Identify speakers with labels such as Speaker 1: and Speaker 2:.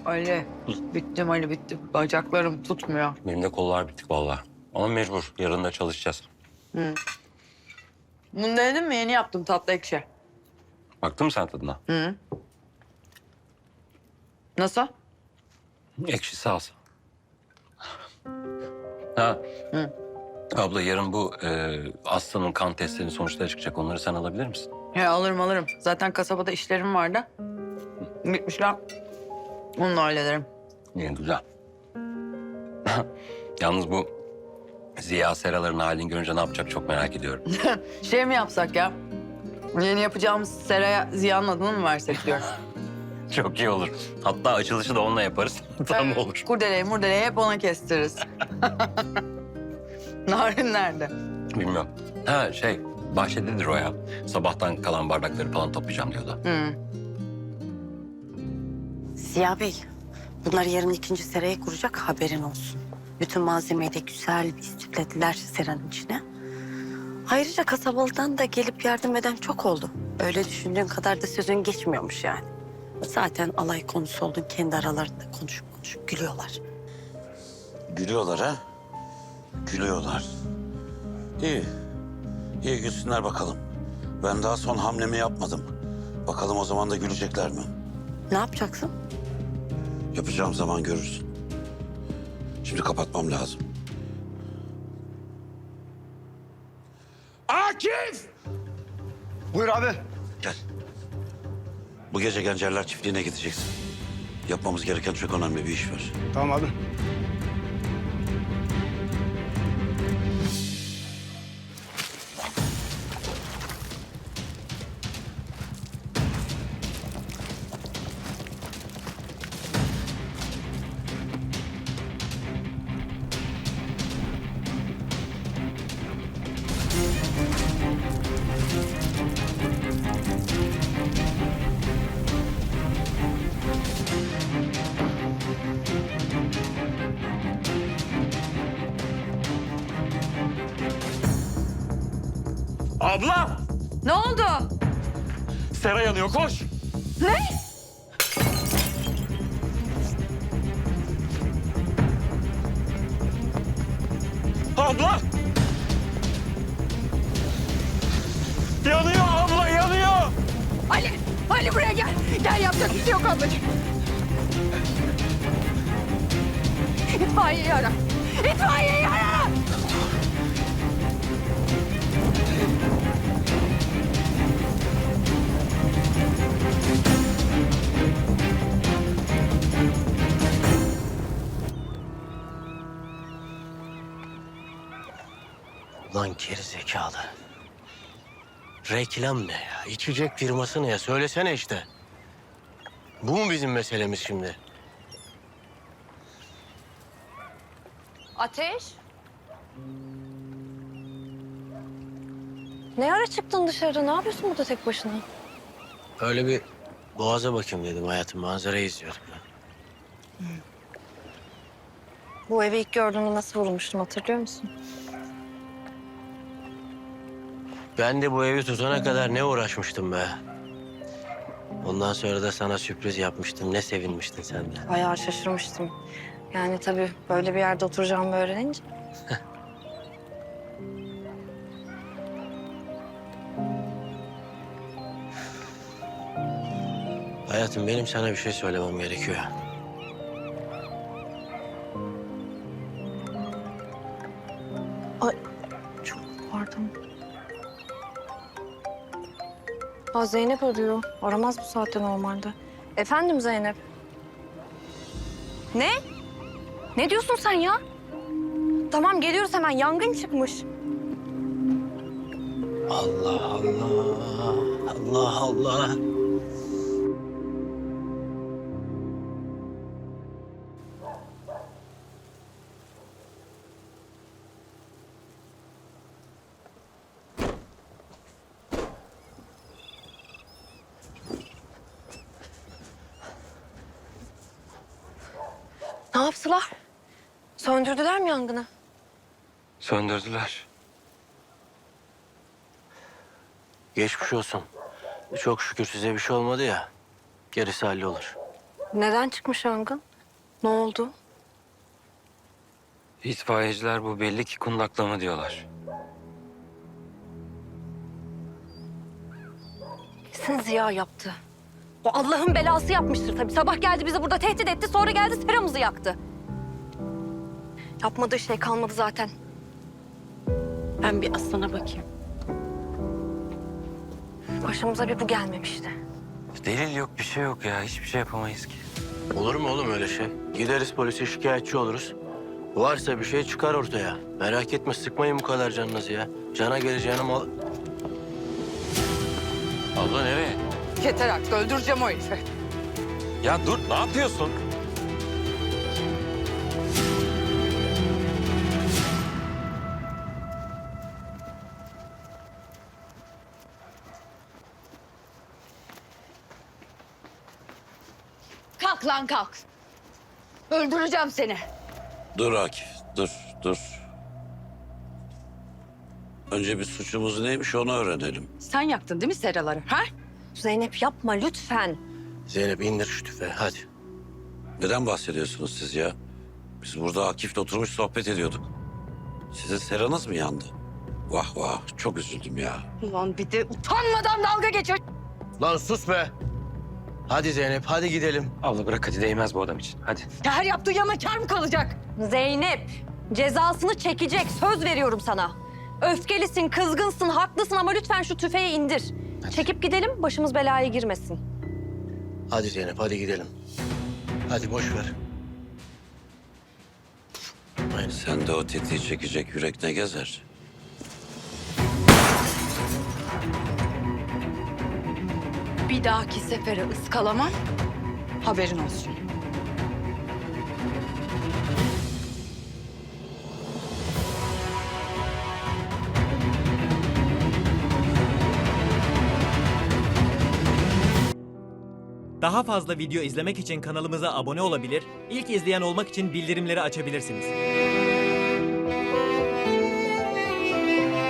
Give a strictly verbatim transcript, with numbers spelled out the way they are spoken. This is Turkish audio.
Speaker 1: Ali, bittim Ali bittim. Bacaklarım tutmuyor.
Speaker 2: Benim de kollar bittik vallahi. Ama mecbur. Yarın da çalışacağız.
Speaker 1: Bunu denedin mi? Yeni yaptım tatlı ekşi.
Speaker 2: Baktın mı sen tadına?
Speaker 1: Hı. Nasıl?
Speaker 2: Ekşisi az. Ha.
Speaker 1: Hı.
Speaker 2: Abla yarın bu e, Aslı'nın kan testlerinin sonuçları çıkacak. Onları sen alabilir misin?
Speaker 1: He alırım alırım. Zaten kasabada işlerim vardı. Gitmişler. Onu da hallederim.
Speaker 2: İyi, güzel. Yalnız bu Ziya Seraların halini görünce ne yapacak çok merak ediyorum.
Speaker 1: Şey mi yapsak ya? Yeni yapacağımız seraya Ziya'nın adını mı versek diyorum.
Speaker 2: Çok iyi olur. Hatta açılışı da onunla yaparız. Tam olur.
Speaker 1: Kurdeleyi murdeleyi hep ona kestiririz. Narin nerede?
Speaker 2: Bilmiyorum. Ha şey, bahçededir o ya. Sabahtan kalan bardakları falan toplayacağım diyordu.
Speaker 1: Hı.
Speaker 3: Ziya Bey, bunlar yarın ikinci seraya kuracak, haberin olsun. Bütün malzemeyi de güzel bir istiklediler seranın içine. Ayrıca kasabalıdan da gelip yardım eden çok oldu. Öyle düşündüğün kadar da sözün geçmiyormuş yani. Zaten alay konusu oldun, kendi aralarında konuşup konuşup gülüyorlar.
Speaker 4: Gülüyorlar ha? Gülüyorlar. İyi. İyi gülsünler bakalım. Ben daha son hamlemi yapmadım. Bakalım o zaman da gülecekler mi?
Speaker 3: Ne yapacaksın?
Speaker 4: Yapacağım zaman görürsün. Şimdi kapatmam lazım. Akif!
Speaker 5: Buyur abi.
Speaker 4: Gel. Bu gece Gencerler Çiftliği'ne gideceksin. Yapmamız gereken çok önemli bir iş var.
Speaker 5: Tamam abi.
Speaker 2: Abla!
Speaker 1: Ne oldu?
Speaker 2: Sera yanıyor, koş!
Speaker 1: Ne?
Speaker 2: Abla! Yanıyor abla, yanıyor!
Speaker 1: Ali! Ali buraya gel. Gel yapacak bir şey yok ablacığım. İtfaiyeyi ara. İtfaiyeyi ara!
Speaker 6: Lan geri zekalı. Reklam ne ya? İçecek firması ne ya? Söylesene işte. Bu mu bizim meselemiz şimdi?
Speaker 7: Ateş? Ne ara çıktın dışarı? Ne yapıyorsun burada tek başına?
Speaker 6: Öyle bir boğaza bakayım dedim hayatım. Manzarayı izliyordum ben.
Speaker 7: Bu evi ilk gördüğümde nasıl vurulmuştum hatırlıyor musun?
Speaker 6: Ben de bu evi tutana kadar ne uğraşmıştım be. Ondan sonra da sana sürpriz yapmıştım. Ne sevinmiştin sen de.
Speaker 7: Bayağı şaşırmıştım. Yani tabii böyle bir yerde oturacağımı öğrenince.
Speaker 6: Hayatım benim sana bir şey söylemem gerekiyor.
Speaker 7: Ay çok pardon. Aa, Zeynep arıyor. Aramaz bu saatte normalde. Efendim Zeynep? Ne? Ne diyorsun sen ya? Tamam geliyoruz hemen. Yangın çıkmış.
Speaker 6: Allah Allah. Allah Allah.
Speaker 7: Ne yaptılar? Söndürdüler mi yangını?
Speaker 2: Söndürdüler.
Speaker 6: Geçmiş olsun. Çok şükür size bir şey olmadı ya. Gerisi hallolur.
Speaker 7: Neden çıkmış yangın? Ne oldu?
Speaker 2: İtfaiyeciler bu belli ki kundaklama diyorlar.
Speaker 7: Kesin Ziya yaptı. O Allah'ın belası yapmıştır tabii. Sabah geldi bizi burada tehdit etti, sonra geldi seramızı yaktı. Yapmadığı şey kalmadı zaten.
Speaker 3: Ben bir Aslan'a bakayım.
Speaker 7: Başımıza bir bu gelmemişti.
Speaker 2: Delil yok, bir şey yok ya. Hiçbir şey yapamayız ki.
Speaker 6: Olur mu oğlum öyle şey? Gideriz polise şikayetçi oluruz. Varsa bir şey çıkar ortaya. Merak etme, sıkmayın bu kadar canınızı ya. Cana geleceğine mal...
Speaker 2: Abla nereye?
Speaker 1: Yeter artık öldüreceğim o herifi.
Speaker 2: Ya dur, ne yapıyorsun?
Speaker 1: Kalk lan kalk. Öldüreceğim seni.
Speaker 4: Dur Akif, dur, dur. Önce bir suçumuz neymiş onu öğrenelim.
Speaker 1: Sen yaktın değil mi seraları? Ha?
Speaker 7: Zeynep yapma lütfen.
Speaker 6: Zeynep indir şu tüfeği hadi.
Speaker 4: Neden bahsediyorsunuz siz ya? Biz burada Akif'le oturmuş sohbet ediyorduk. Sizin seranız mı yandı? Vah vah, çok üzüldüm ya.
Speaker 1: Ulan bir de utanmadan dalga geçiyor.
Speaker 6: Lan sus be! Hadi Zeynep, hadi gidelim.
Speaker 2: Abla bırak, hadi değmez bu adam için. Hadi.
Speaker 1: Ya her yaptığı yana kâr mı kalacak?
Speaker 7: Zeynep cezasını çekecek, söz veriyorum sana. Öfkelisin, kızgınsın, haklısın ama lütfen şu tüfeği indir. Çekip gidelim, başımız belaya girmesin.
Speaker 6: Hadi Zeynep, hadi gidelim. Hadi boş ver. Aynen.
Speaker 4: Sen de o tetiği çekecek yürek ne gezer?
Speaker 1: Bir dahaki sefere ıskalamam. Haberin olsun.
Speaker 8: Daha fazla video izlemek için kanalımıza abone olabilir, ilk izleyen olmak için bildirimleri açabilirsiniz.